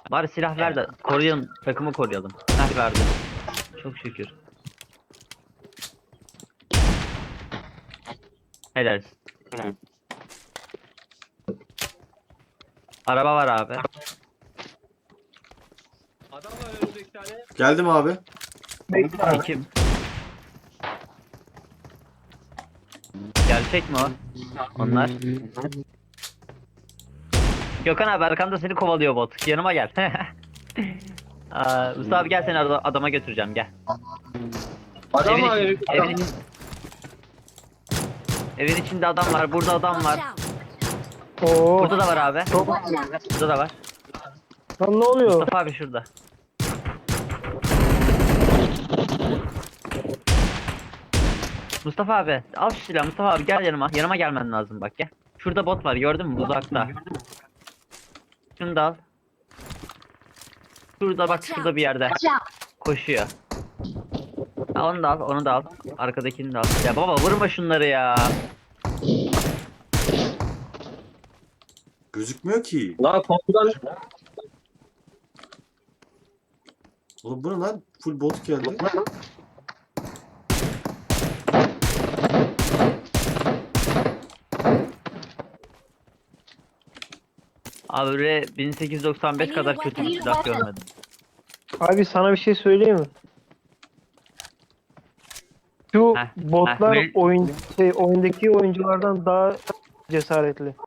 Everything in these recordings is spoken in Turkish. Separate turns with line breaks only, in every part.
Bari silah ver de koruyun, takımı koruyalım. Heh, verdi. Çok şükür. Helal. Araba var abi.
Adam var önümüzde 2 tane.
Geldim abi.
Kim? Gerçek mi o? Onlar. Gökhan abi arkamda seni kovalıyor bot. Yanıma gel. Mustafa abi gel seni adama götüreceğim gel.
Adam
Evin,
var
içi- evin, içi- evin içinde adam var. Burada adam var.
Oo.
Burada da var abi.
Çok...
Burada da var.
Lan ne oluyor?
Mustafa abi şurada. Mustafa abi al şu silahı. Mustafa abi gel yanıma. Yanıma gelmen lazım bak gel. Şurada bot var gördün mü uzakta. Şunu da al. Şurada bak şurada bir yerde. Koşuyor. Ha, onu da al onu da al. Arkadakini de al. Ya baba vurma şunları ya.
Gözükmüyor ki.
Lan korkudan
Oğlum bu ne lan? Full bot geldi.
Abi böyle 1895 kadar kötü bir silah görmedim.
Abi sana bir şey söyleyeyim mi? Şu
Heh,
botlar
heh,
oyundaki oyunculardan daha cesaretli.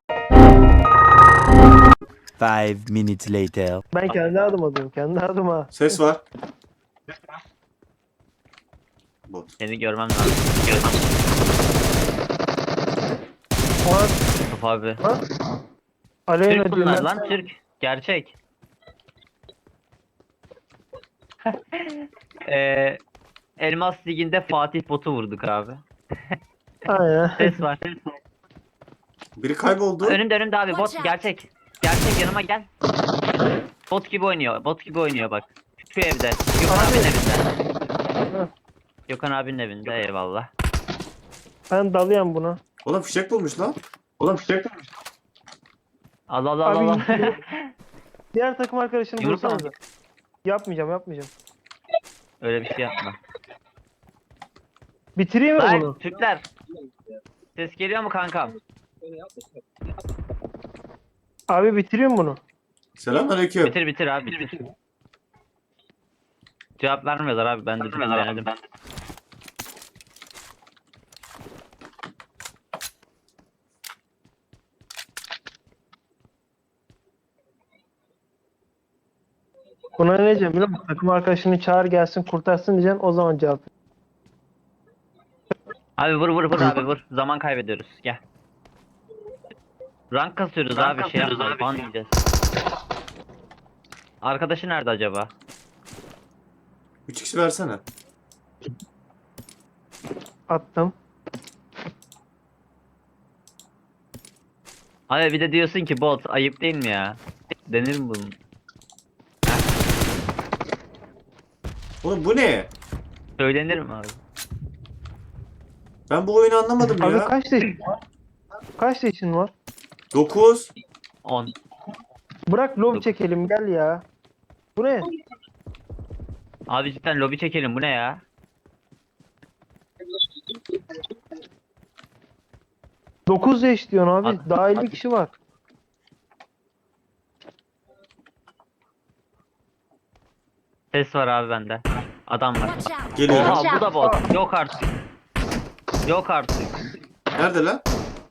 5 minutes later.
Ben kendi adıma diyorum. Kendi adıma.
Ses var. Bot.
Seni görmem lazım.
Ama
Mustafa abi.
Aleyna
Türk bunlar
diyorlar.
lan Türk. Gerçek. Elmas Ligi'nde Fatih botu vurduk abi.
Aynen.
Ses var.
Biri kayboldu.
Önümde abi bot gerçek. Gerçek yanıma gel. Bot gibi oynuyor. Bot gibi oynuyor bak. Şu evde. Gökhan abinin evinde. Gökhan abinin evinde eyvallah.
Ben dalıyorum buna.
Oğlum fişek bulmuş lan.
Allah Allah
Abi,
Allah.
Diğer takım arkadaşını
Yumruk
bulsanıza.
al.
Yapmayacağım.
Öyle bir şey yapma.
Bitireyim mi
Lan
bunu?
Türkler. Ses geliyor mu kankam?
Abi bitireyim bunu.
Selamünaleyküm.
Bitir abi bitir. Cevap vermiyorlar abi ben de denedim.
Buna ne diyeceğim biliyor musun? Takım arkadaşını çağır gelsin kurtarsın diyeceksin o zaman cevap.
Abi vur abi vur. Zaman kaybediyoruz. Gel. Rank kasıyoruz abi şey yapma falan diyeceğiz. Arkadaşı nerede acaba?
3x versene.
Attım.
Abi bir de diyorsun ki bot ayıp değil mi ya? Denir mi bunun?
Oğlum bu ne?
Söylenir mi abi?
Ben bu oyunu anlamadım
Abi
ya.
kaç yaşın var? Kaç yaşın var?
9.
10.
Bırak lob çekelim gel ya. Bu ne?
Abi cidden lobi çekelim bu ne ya?
Dokuz yaş diyorsun abi.
At-
Daha 50 kişi var.
Ses var abi bende. Adam var.
Geliyorum.
Oha bu da bot. Yok artık. Yok artık.
Nerede lan?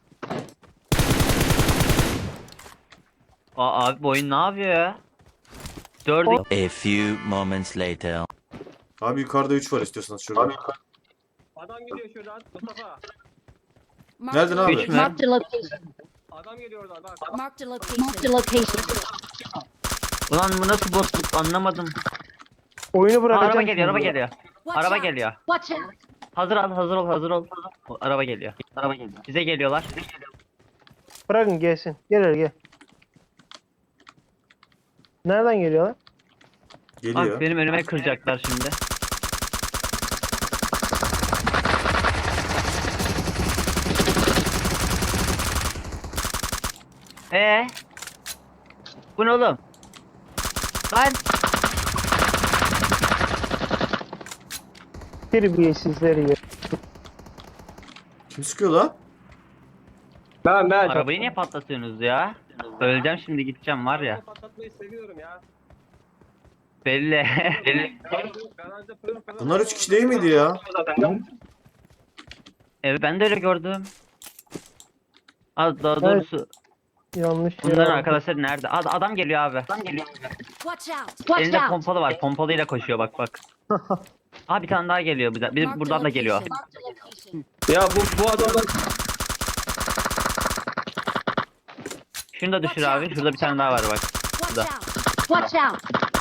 Abi bu oyun ne yapıyor ya? 4
A few moments later.
Abi yukarıda 3 var istiyorsanız şurada.
adam geliyor şuradan Mustafa.
Nereden abi?
Üç mü?
Marked a location.
Adam geliyor oradan bak.
Marked a location. Marked a location.
Ulan bu nasıl botluk anlamadım.
Oyunu
Aa,
bırakacağım.
araba geliyor araba
şimdi.
geliyor.
Watch
Araba
out.
geliyor.
Watch out.
Hazır ol. Araba geliyor. Bize geliyorlar.
Bırakın gelsin. Gel hele gel. Nereden geliyorlar?
Geliyor.
Bak benim önüme kıracaklar şimdi. Bu ne oğlum? Lan.
Terbiyesizleri ya.
Kim sıkıyor lan?
Ben.
Arabayı niye patlatıyorsunuz ya? Öleceğim şimdi gideceğim var ya.
Patlatmayı seviyorum ya.
Belli.
Garajda pırıl pırıl.
Bunlar 3 kişi değil miydi ya?
Evet ben de öyle gördüm. Az daha
Evet.
doğrusu
Yanlış
bunların
ya.
arkadaşları nerede? Adam geliyor abi.
Watch out! Watch
Elinde
out!
pompalı var. Pompalıyla koşuyor bak. Aa bir tane daha geliyor. Bir
Marked a
buradan da geliyor.
location. Marked a location.
Ya bu adamlar
Şunu da düşür abi. Şurada bir tane daha var bak.
Watch
Da.
out! Watch out!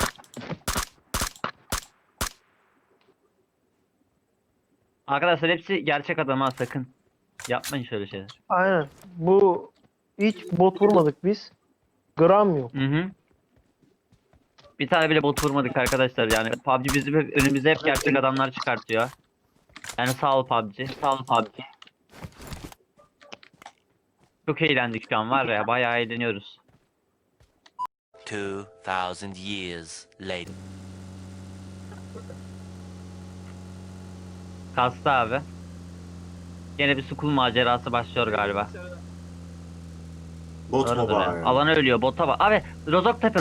Arkadaşlar hepsi gerçek adam ha sakın. Yapmayın şöyle şeyler.
Aynen. Bu hiç bot vurmadık biz. Gram yok.
Hı. Bir tane bile bot vurmadık arkadaşlar yani. PUBG bizi önümüze hep gerçek adamlar çıkartıyor. Yani sağ ol PUBG. Sağ ol PUBG. Çok eğlendik şu an var ya. Bayağı eğleniyoruz.
2000 years later.
Kastı abi. Yine bir school macerası başlıyor galiba.
Bot
Doğrudur
mobile.
ya. Alana ölüyor. Bota bak. Abi Rozoktepe.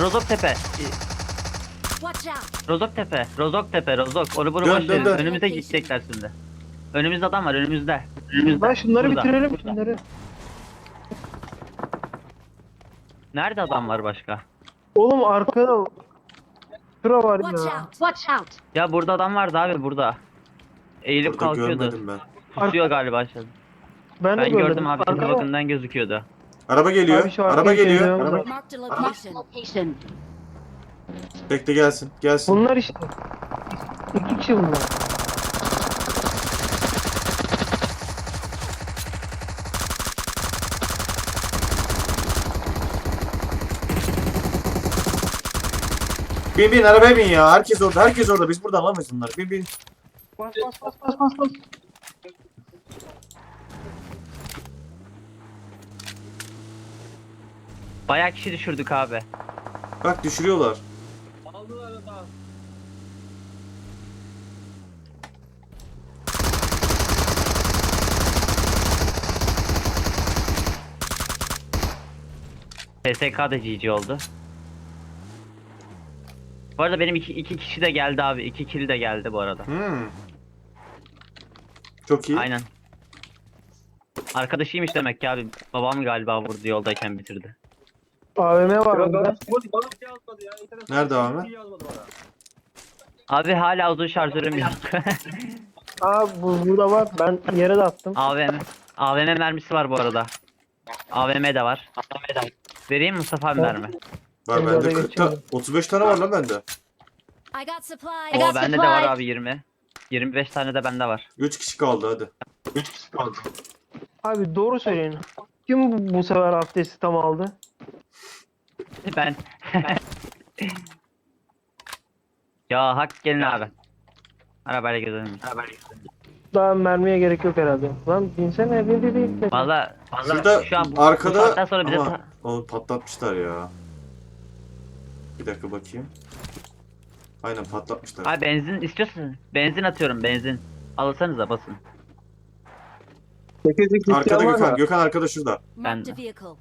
Watch out!
Rozok. Onu bunu
Dön,
boş
dön,
verin.
dön.
Önümüze gidecekler şimdi. Önümüzde adam var önümüzde.
Ben şunları
Burada.
bitirelim şunları.
Nerede adam var başka?
Oğlum arkada şura var
Watch
ya.
out! Watch out!
Ya burada adam vardı abi burada. Eğilip
Burada
kalkıyordu.
görmedim ben.
Pusuyor galiba aşağıda.
Ben de
Ben gördüm abi.
Arkada-
Bakımdan gözüküyordu.
Araba geliyor.
Abi şu
Araba
arkaya
geliyor.
geliyor.
Araba...
Marked a
Ah.
location. Location.
Bekle gelsin. Gelsin.
Bunlar işte. İki kişi bunlar.
Bin arabaya bin ya. Herkes orada. Herkes orada. Biz buradan alamayız bunları. Bin.
Bas bas.
Bayağı kişi düşürdük abi.
Bak düşürüyorlar.
aldılar da.
PSK da GG oldu. Bu arada benim iki kişi de geldi abi. 2 kill de geldi bu arada.
Çok iyi.
Aynen. Arkadaşıymış demek ki abi. Babam galiba vurdu yoldayken bitirdi.
AVM var
Bana
burada.
bana bir şey yazmadı ya. İnternet
Nerede abi?
bir şey yazmadı bana.
Abi hala uzun şarjörüm yok.
Aa burada var. Ben yere de attım.
AVM mermisi var bu arada. AVM de var. Vereyim Mustafa abi mermi.
Var
Şimdi
bende
oraya
40
geçiyorum.
35 tane var lan bende.
I got supplies.
O bende de var abi 20. 25 tane de bende var.
3 kişi kaldı hadi.
Abi doğru söyleyin. Kim bu sefer abdesti tam aldı?
Ben. Ya hak gelin abi. Arabayla gezelim.
Daha mermiye gerek yok herhalde. Lan binsene bir.
Valla
Şurada
şu an bu
arkada
saatten sonra bize
ama onu patlatmışlar ya. Bir dakika bakayım. Aynen patlatmışlar.
Abi benzin istiyorsun. Benzin atıyorum benzin. Alırsanıza basın.
8x
Arkada
var
Gökhan.
mı?
Gökhan arkada şurada.
Marked a
Ben-
vehicle.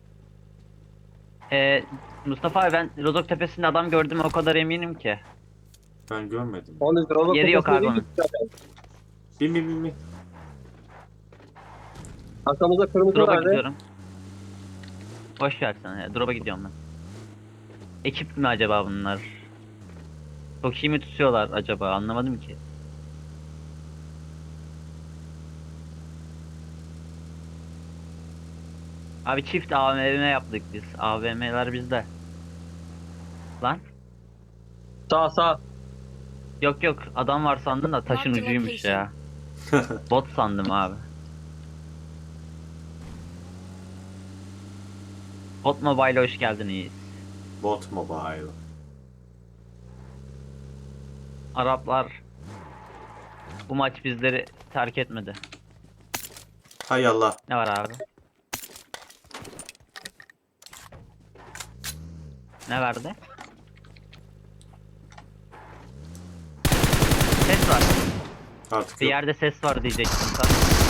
Mustafa abi ben Rozok Tepesi'nde adam gördüm o kadar eminim ki.
Ben görmedim.
Onun Rozok
Yeri yok abi
tepesinde
onun.
değil.
Bin.
Arkamızda kırmızı
Drop'a
vardı.
gidiyorum. Boş ver sen ya. Drop'a gidiyorum ben. Ekip mi acaba bunlar? Çok iyi mi tutuyorlar acaba? Anlamadım ki. Abi çift AVM yaptık biz. AVM'ler bizde. Lan?
Sağ.
Yok adam var sandım da taşın
Marked
ucuymuş ya.
location.
Bot sandım abi. Bot Mobile'e hoş geldiniz.
Bot mobile.
Araplar bu maç bizleri terk etmedi.
Hay Allah.
Ne var abi? Ne verdi?
Artık
Bir
yok.
yerde ses var diyecektim sen.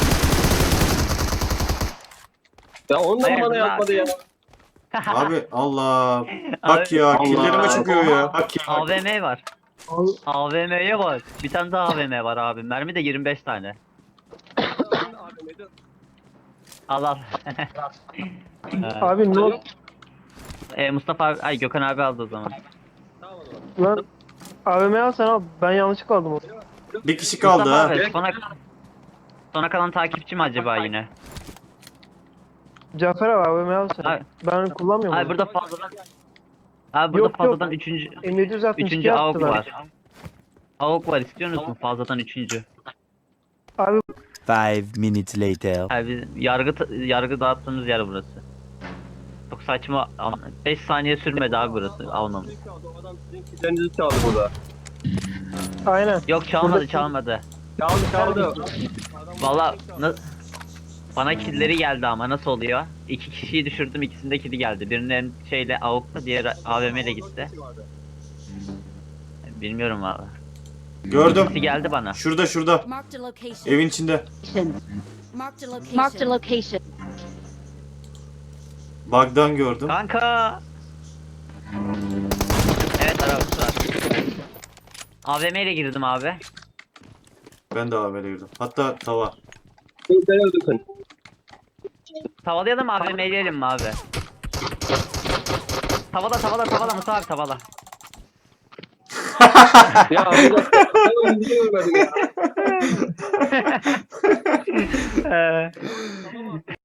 Ya ondan
Hayır,
bana
dur
yapmadı ya.
Abi Allah. Bak
Abi,
ya
Allah.
killerime çıkıyor ya. Bak ya.
AVM var.
Al-
AVM'ye bak. Bir tane daha AVM var abi. Mermi de 25 tane. Al al.
Abi ne oldu?
Mustafa abi, ay Gökhan abi aldı o zaman.
Lan AVM al sen al. Ben yanlışlıkla aldım onu.
Bir kişi kaldı
Mustafa
ha.
abi, sona kalan takipçi mi acaba yine?
Cafer abi AVM al sen.
Abi-
Ben kullanmıyorum
Abi
onu.
burada fazladan burada
Yok,
fazladan
yok.
üçüncü
M762
AUK
yaptılar.
var. AUK var istiyor musun fazladan üçüncü?
Abi
5 minutes later.
Abi biz yargı dağıttığımız yer burası. Çok saçma. 5 saniye sürmedi abi burası almamız.
O adam sizin killerinizi çaldı burada.
aynen.
Yok çalmadı
Burada-
çalmadı.
Çaldı.
Valla bana killleri geldi ama nasıl oluyor? 2 kişiyi düşürdüm ikisinde killi geldi. Birinin şeyle AUK'la diğeri AVM ile gitti. Bilmiyorum abi.
Gördüm.
İkisi geldi bana.
Şurada.
Marked a location.
Evin içinde.
Marked a location. Marked a location.
Bug'dan gördüm.
Kanka. Evet arabası var. AVM ile girdim abi.
Ben de AVM'ye girdim. Hatta tava.
Beni öldürsün.
Tavalayalım mı AVM'leyelim mi abi? Tavala Musa abi tavala.
Ya burada ben öldürmedim ya.